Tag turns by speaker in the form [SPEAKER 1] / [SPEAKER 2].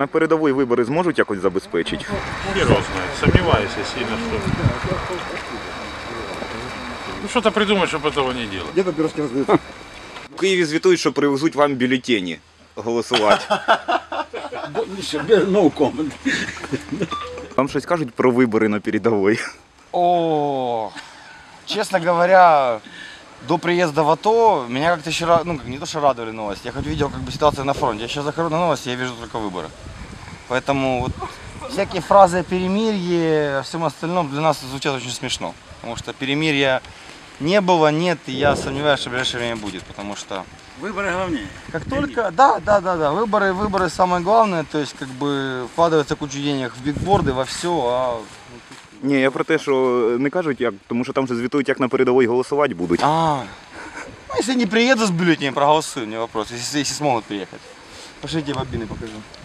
[SPEAKER 1] На передовій вибори зможуть якось забезпечити?
[SPEAKER 2] Хер его знает. Сомневаюсь я сильно, что... Ну что-то придумать, чтобы этого не делать.
[SPEAKER 3] Где-то пирожки раздают.
[SPEAKER 1] В Києві звітують, що привезуть вам бюлетені голосувати.
[SPEAKER 3] No comment.
[SPEAKER 1] Вам щось кажуть про вибори на передовій?
[SPEAKER 4] О, честно говоря, до приезда в АТО меня как-то еще, не то что радовали новости, я хоть видел как бы ситуацию на фронте. Я сейчас захожу на новости, я вижу только выборы. Поэтому вот всякие фразы о перемирии, о всем остальном для нас звучат очень смешно. Потому что перемирия не было, нет, и я сомневаюсь, что в ближайшее время будет. Потому что
[SPEAKER 3] Выборы главнее.
[SPEAKER 4] как только, да, выборы самое главное, то есть как бы вкладывается кучу денег в бигборды, во все, а...
[SPEAKER 1] Ні, я про те, що не кажуть як, тому що там же звітують, як на передовій голосувати будуть.
[SPEAKER 4] Ну если не приеду с бюллетенем, проголосую, не вопрос, если смогут приехать. Пошлите бобины покажу.